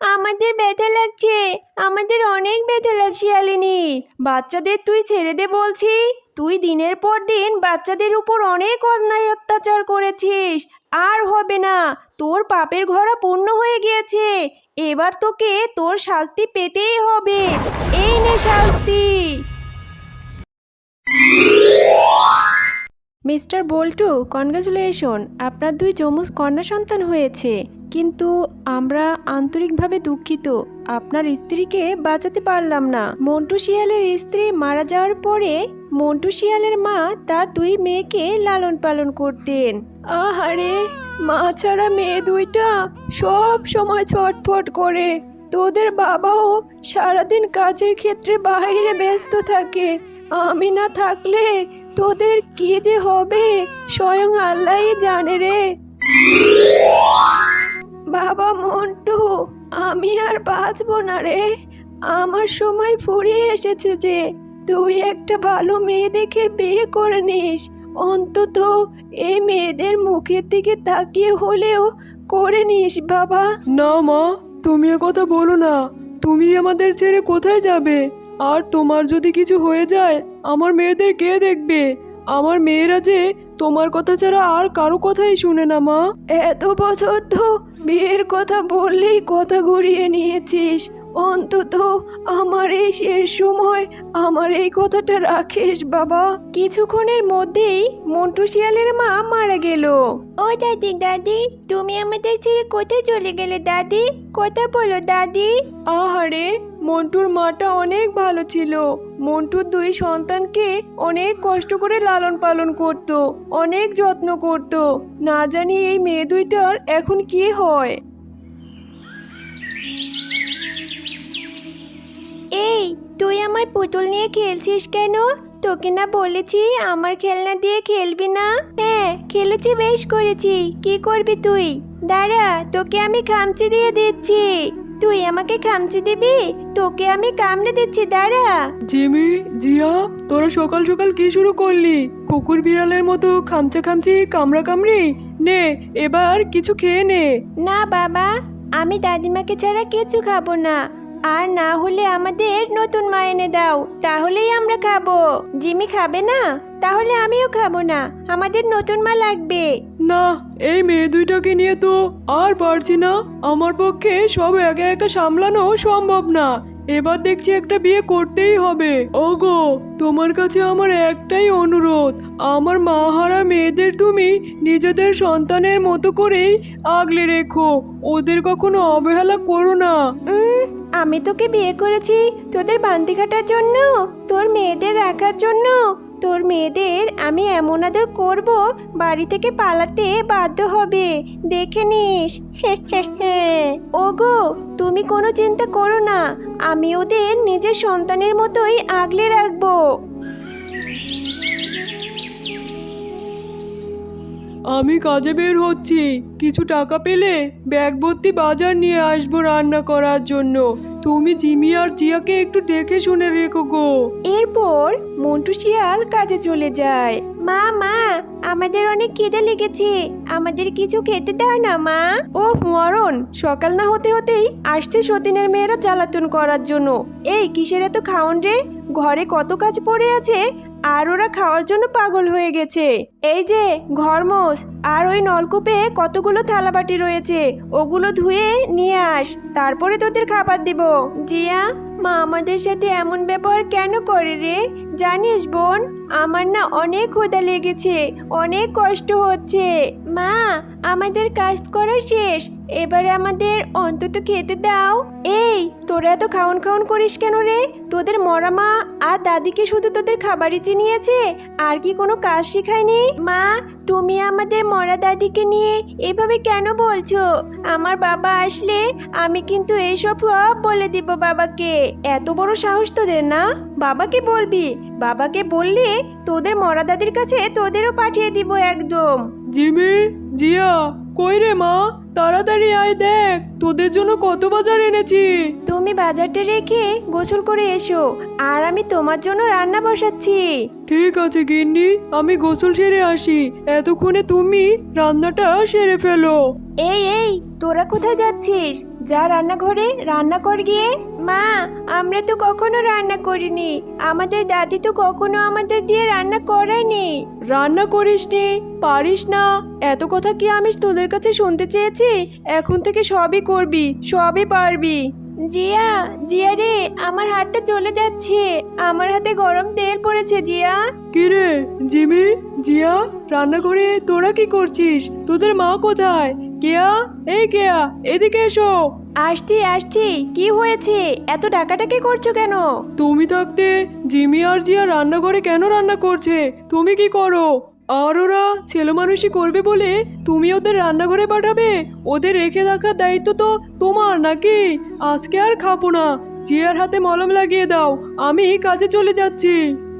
আমাদের ব্যথা লাগছে, আমাদের অনেক ব্যথা লাগছে শিয়ালিনী। বাচ্চাদের তুই ছেড়ে দে বলছি। তুই দিনের পর দিন বাচ্চাদের উপর অনেক অন্যায় অত্যাচার করেছিস। আর হবে না, তোর পাপের ঘোড়া পূর্ণ হয়ে গিয়েছে। এবার তোকে তোর শাস্তি পেতেই হবে। এই নে শাস্তি। মিস্টার বল্টু, কনগ্রাচুলেশন, আপনার 2 যমজ কন্যা সন্তান হয়েছে। কিন্তু আমরা আন্তরিকভাবে দুঃখিত, আপনার স্ত্রীকে বাঁচাতে পারলাম না। মন্টু শিয়ালের স্ত্রী মারা যাওয়ার পরে মন্টু শিয়ালের মা তার 2 মেয়েকে লালন পালন করতেন। আহারে, মা ছাড়া মেয়ে 2টা সব সময় ছটফট করে। তোদের বাবাও সারাদিন কাজের ক্ষেত্রে বাইরে ব্যস্ত থাকে। আমি না থাকলে তোদের কি যে হবে স্বয়ং আল্লাহই জানে রে। বাবা মন্টু, আমি আর বাঁচবো না রে। আমার সময় ফুরিয়ে এসেছে যে। তুই একটা ভালো মেয়ে দেখে বিয়ে করে নিস। অন্তত এই মেয়েদের মুখের দিকে তাকিয়ে হলেও করে নিস বাবা। না মা, তুমি এ কথা বলো না। তুমি আমাদের ছেড়ে কোথায় যাবে? আর তোমার যদি কিছু হয়ে যায় আমার মেয়েদের কে দেখবে? আমার মেয়েরা যে তোমার কথা ছাড়া আর কারো কথাই শুনে না মা। এত বছর তো বিয়ের কথা বললেই কথা ঘুরিয়ে নিয়েছিস। অন্তত আমার এই শেষ সময় আমার এই কথাটা রাখিস বাবা। কিছুক্ষণের মধ্যেই মন্টু শিয়ালের মা মারা গেল। ও দাদি, দাদি, তুমি আমাদের ছেড়ে কোথায় চলে গেলে দাদি? কথা বলো দাদি। আহারে, মন্টুর মাটা অনেক ভালো ছিল। মন্টুর 2 সন্তানকে অনেক কষ্ট করে লালন পালন করত, অনেক যত্ন করত। না জানি এই মেয়ে 2টার এখন কি হয়। এই, তুই আমার পুতুল নিয়ে খেলছিস কেন? তোকে না বলেছি আমার খেলনা দিয়ে খেলবি না? হ্যাঁ, খেলেছি, বেশ করেছি। কি করবি তুই? দাঁড়া, তোকে আমি খামচি দিয়ে দিচ্ছি। তুই আমাকে খামচি দিবি? তোকে আমি কামড়ে দিচ্ছি, দাঁড়া। জিমি, জিয়া, তোরা সকাল সকাল কি শুরু করলি? কুকুর বিড়ালের মতো খামচা খামচি কামড়া কামড়ি। নে, এবার কিছু খেয়ে নে। না বাবা, আমি দাদিমাকে ছাড়া কিছু খাবো না। আর না হলে আমাদের নতুন মা এনে দাও, তাহলেই আমরা খাবো। জিমি খাবে না? তাহলে আমিও খাবো না। আমাদের নতুন মা লাগবে। না, এই মেয়ে 2টাকে নিয়ে তো আর পারছি না। আমার পক্ষে সব একা একা সামলানো সম্ভব না। এবার দেখছি একটা বিয়ে করতেই হবে। ওগো, তোমার কাছে আমার একটাই অনুরোধ। আমার মা হারা মেয়েদের তুমি নিজেদের সন্তানের মতো করেই আগলে রেখো। ওদের কখনো অবহেলা করো না। আমি তোকে বিয়ে করেছি তোদের বান্দি খাটার জন্য, তোর মেয়েদের রাখার জন্য। তোর মেয়েদের আমি এমন আদর করব, বাড়ি থেকে পালাতে বাধ্য হবে। দেখে নিস। ওগো, তুমি কোনো চিন্তা করো না। আমি ওদের নিজের সন্তানের মতোই আগলে রাখবো। আমি কাজে বের হচ্ছি। কিছু টাকা পেলে ব্যাগ ভর্তি বাজার নিয়ে আসবো রান্না করার জন্য। তুমি জিমি আর জিয়াকে একটু দেখে শুনে রেখো গো। এরপর মন্টু শিয়াল কাজে চলে যায়। মা, মা, আমাদের অনেক খিদে লেগেছে, আমাদের কিছু খেতে দাও না মা। ও মরণ, সকাল না হতে হতেই আসছে সতীনের মেয়েরা জ্বালাতন করার জন্য। এই কিসের এত খাওন রে? ঘরে কত কাজ পড়ে আছে, আর ওরা খাওয়ার জন্য পাগল হয়ে গেছে। এই যে ঘরমোস, আর ওই নলকূপে কতগুলো থালাবাটি রয়েছে, ওগুলো ধুয়ে নিয়ে আস, তারপরে তোদের খাবার দেব। জিয়া, মা আমাদের সাথে এমন ব্যবহার কেন করে রে? জানিস বোন, আমার না অনেক ক্ষুধা লেগেছে, অনেক কষ্ট হচ্ছে। মা, আমাদের কাজ করা শেষ, এবারে আমাদের অন্তত খেতে দাও। এই, তোরা এত খাওন খাওন করিস কেন রে? তোদের মরা মা আর দাদিকে শুধু তোদের খাবারই চিনিয়েছে, আর কি কোনো কাজ শেখায়নি? মা, তুমি আমাদের মরা দাদিকে নিয়ে এভাবে কেন বলছো? আমার বাবা আসলে আমি কিন্তু এইসব সব বলে দিব বাবাকে। এত বড় সাহস তোদের না? বাবাকে বলবি? বাবাকে বললে তোদের মরা দাদির কাছে তোদেরও পাঠিয়ে দিব একদম। জিমি, জিয়া, কই রে মা? তাড়াতাড়ি আয়, দেখ তোদের জন্য কত বাজার এনেছি। তুমি বাজারটা রেখে গোসল করে এসো, আর আমি তোমার জন্য রান্না বসাচ্ছি। ঠিক আছে গিন্নি, আমি গোসল সেরে আসি। এতক্ষণে তুমি রান্নাটা সেরে ফেলো। এই, তোরা কোথায় যাচ্ছিস? যা রান্নাঘরে রান্না কর গিয়ে। মা, আমরা তো কখনো রান্না করিনি। আমাদের দাদি তো কখনো আমাদের দিয়ে রান্না করায়নি। রান্না করিসনি, পারিস না, এত কথা কি আমি তোদের কাছে শুনতে চেয়েছি? এখন থেকে সবই করবি, সবই পারবি। জিয়া, জিয়া রে, আমার হাতটা চলে যাচ্ছে। আমার হাতে গরম তেল পড়েছে জিয়া। কিরে জিমি, জিয়া, রান্নাঘরে তোরা কি করছিস? তোদের মা কোথায়? কেয়া, এই কেয়া, এদিকে এসো। আসছি আসছি, কি হয়েছে? এত ডাকাডাকি করছো কেন? তুমি থাকতে জিমি আর জিয়া রান্নাঘরে কেন রান্না করছে? তুমি কি করো? আর ওরা ছেলে মানুষই করবে বলে তুমি ওদের রান্নাঘরে পাঠাবে? ওদের রেখে রাখার দায়িত্ব তো তোমার নাকি? আজকে আর খাবো না, জিয়ার হাতে মলম লাগিয়ে দাও, আমি কাজে চলে যাচ্ছি।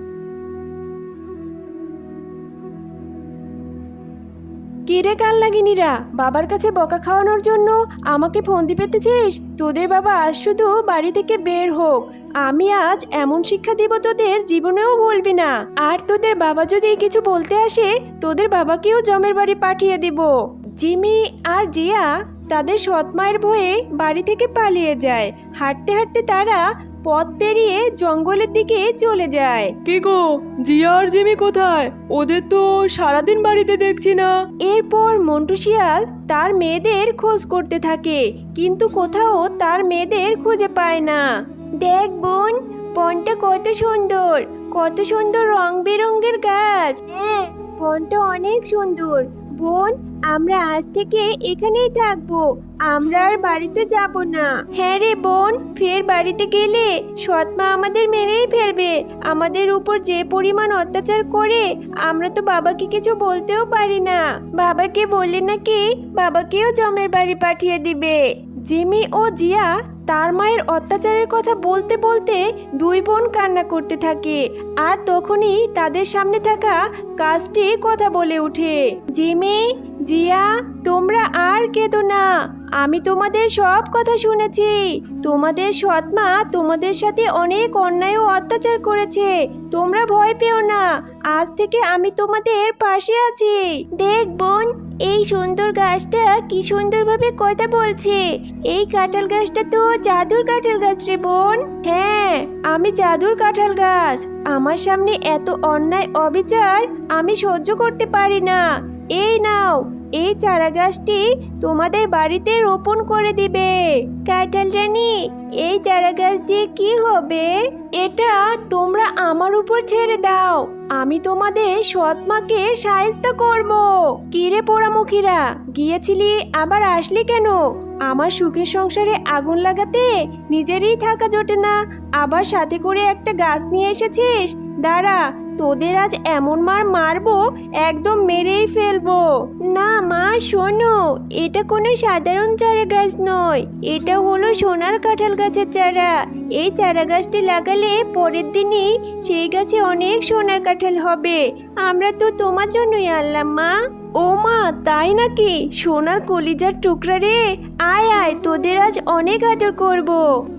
কিরে কাল লাগিনিরা, বাবার কাছে বকা খাওয়ানোর জন্য আমাকে ফন্দি পেতেছিস? তোদের বাবা আজ শুধু বাড়ি থেকে বের হোক, আমি আজ এমন শিক্ষা দিব তোদের জীবনেও বলবি না। আর তোদের বাবা যদি কিছু বলতে আসে, তোদের বাবাকেও জমের বাড়ি পাঠিয়ে দিব। জিমি আর জিয়া তাদের সৎ মায়ের ভয়ে বাড়ি থেকে পালিয়ে যায়। হাঁটতে হাঁটতে তারা পথ পেরিয়ে জঙ্গলের দিকে চলে যায়। কি গো, জিয়া আর জিমি কোথায়? ওদের তো সারাদিন বাড়িতে দেখছি না। এরপর মন্টু শিয়াল তার মেয়েদের খোঁজ করতে থাকে, কিন্তু কোথাও তার মেয়েদের খুঁজে পায় না। দেখ বোন, বনটা কত সুন্দর, কত সুন্দর রং বেরঙের গাছ। হ্যাঁ, বনটা অনেক সুন্দর। বোন, আমরা আজ থেকে এখানেই থাকবো, আমরা আর বাড়িতে যাব না। হ্যাঁ রে বোন, ফের বাড়িতে গেলে সৎমা আমাদের মেরেই ফেলবে। আমাদের উপর যে পরিমাণ অত্যাচার করে, আমরা তো বাবাকে কিছু বলতেও পারি না। বাবাকে বললে নাকি বাবাকেও জমের বাড়ি পাঠিয়ে দিবে। জিমি ও জিয়া তার মায়ের অত্যাচারের কথা বলতে বলতে দুই বোন কান্না করতে থাকে। আর তখনই তাদের সামনে থাকা গাছটি কথা বলে ওঠে। জিমি, জিয়া, তোমরা আর কেঁদো না, আমি তোমাদের সব কথা শুনেছি। তোমাদের সৎমা তোমাদের সাথে অনেক অন্যায় ও অত্যাচার করেছে। তোমরা ভয় পেও না, আজ থেকে আমি তোমাদের পাশে আছি। দেখ বোন, এই সুন্দর গাছটা কি সুন্দরভাবে কথা বলছে। এই কাঁঠাল গাছটা তো জাদুর কাঁঠাল গাছ রে বোন। হ্যাঁ, আমি জাদুর কাঁঠাল গাছ। আমার সামনে এত অন্যায় অবিচার আমি সহ্য করতে পারি না। এই নাও, এই চারা গাছটি তোমাদের বাড়িতে রোপণ করে দিবে। কাঁঠাল রানী, এই চারা গাছ দিয়ে কি হবে? এটা তোমরা আমার উপর ছেড়ে দাও, আমি তোমাদের সৎমাকে সাহায্য করব। কিরে পোড়ামুখীরা, গিয়েছিলি আবার আসলি কেন? আমার সুখের সংসারে আগুন লাগাতে নিজেরই থাকা জোটে না, আবার সাথে করে একটা গাছ নিয়ে এসেছিস। দাঁড়া, তোদের আজ এমন মার মারবো, একদম মেরেই ফেলবো। না মা, শোনো, এটা কোনো সাধারণ চারা গাছ নয়, এটা হলো সোনার কাঁঠাল গাছের চারা। এই চারা গাছটি লাগালে পরের দিনই সেই গাছে অনেক সোনার কাঁঠাল হবে। আমরা তো তোমার জন্যই আনলাম মা। ও মা, তাই নাকি? সোনার কলিজার টুকরা রে, আয় আয়, তোদের আজ অনেক আদর করবো।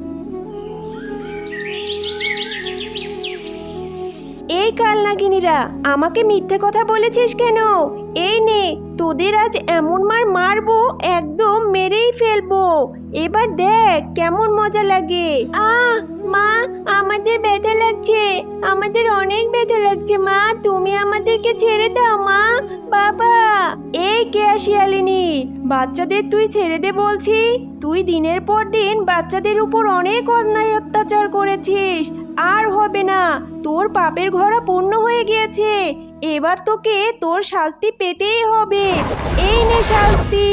এই কাল নাগিনীরা, আমাকে মিথ্যে কথা বলেছিস কেন? এই নে, তোদের আজ এমন মার মারবো, একদম মেরেই ফেলবো। এবার দেখ কেমন মজা লাগে। মা, আমাদের ব্যথা লাগছে, আমাদের অনেক ব্যথা লাগছে। মা, তুমি আমাদেরকে ছেড়ে দাও মা। বাবা, এই কে শিয়ালিনী, বাচ্চাদের তুই ছেড়ে দে বলছি। তুই দিনের পর দিন বাচ্চাদের উপর অনেক অন্যায় অত্যাচার করেছিস, আর হবে না। তোর পাপের ঘোড়া পূর্ণ হয়ে গিয়েছে, এবার তোকে তোর শাস্তি পেতেই হবে। এই নে শাস্তি।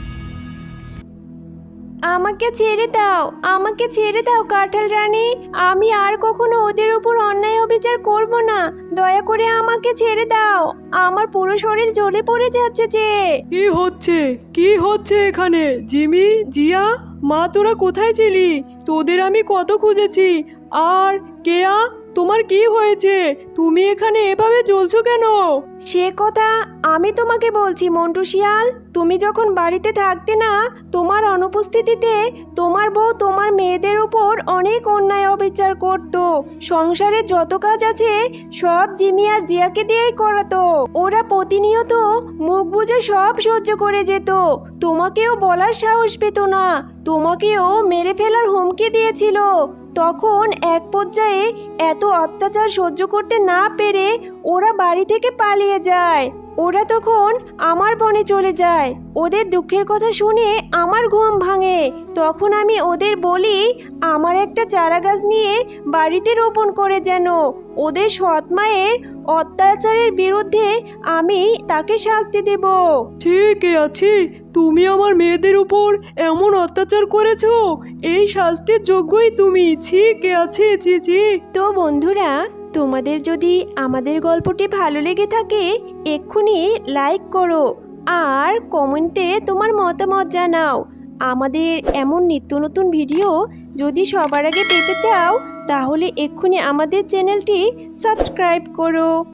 আমাকে ছেড়ে দাও, আমাকে ছেড়ে দাও কাঁঠাল রানী, আমি আর কখনো ওদের উপর অন্যায় অবিচার করব না। দয়া করে আমাকে ছেড়ে দাও, আমার পুরো শরীর জ্বলে পড়ে যাচ্ছে যে। কি হচ্ছে, কি হচ্ছে এখানে? জিমি, জিয়া, মা, তোরা কোথায় ছিলি? তোদের আমি কত খুঁজেছি, আর কেয়া, তোমার কি হয়েছে? তুমি এখানে এভাবে জ্বলছো কেন? সে কথা আমি তোমাকে বলছি মন্টু শিয়াল। তুমি যখন বাড়িতে থাকতে না, তোমার অনুপস্থিতিতে তোমার বউ তোমার মেয়েদের উপর অনেক অন্যায় অবিচার করত। সংসারে যত কাজ আছে সব জিমি আর জিয়াকে দিয়েই করাতো। ওরা প্রতিনিয়ত মুখ বুজে সব সহ্য করে যেত। তোমাকেও বলার সাহস পেত না, তোমাকেও মেরে ফেলার হুমকি দিয়েছিল। তখন এক পর্যায়ে এত অত্যাচার সহ্য করতে না পেরে ওরা বাড়ি থেকে পালিয়ে যায়। ওরা তখন আমার বনে চলে যায়। ওদের দুঃখের কথা শুনে আমার ঘুম ভাঙে। তখন আমি ওদের বলি আমার একটা চারা গাছ নিয়ে বাড়িতে রোপণ করে যেন ওদের সৎ মায়ের অত্যাচারের বিরুদ্ধে আমি তাকে শাস্তি দেব। ঠিক আছে, তুমি আমার মেয়েদের উপর এমন অত্যাচার করেছো, এই শাস্তির যোগ্যই তুমি। ঠিক আছে, ছি। তো বন্ধুরা, তোমাদের যদি আমাদের গল্পটি ভালো লেগে থাকে এক্ষুনি লাইক করো আর কমেন্টে তোমার মতামত জানাও। আমাদের এমন নিত্য নতুন ভিডিও যদি সবার আগে পেতে চাও তাহলে এক্ষুনি আমাদের চ্যানেলটি সাবস্ক্রাইব করো।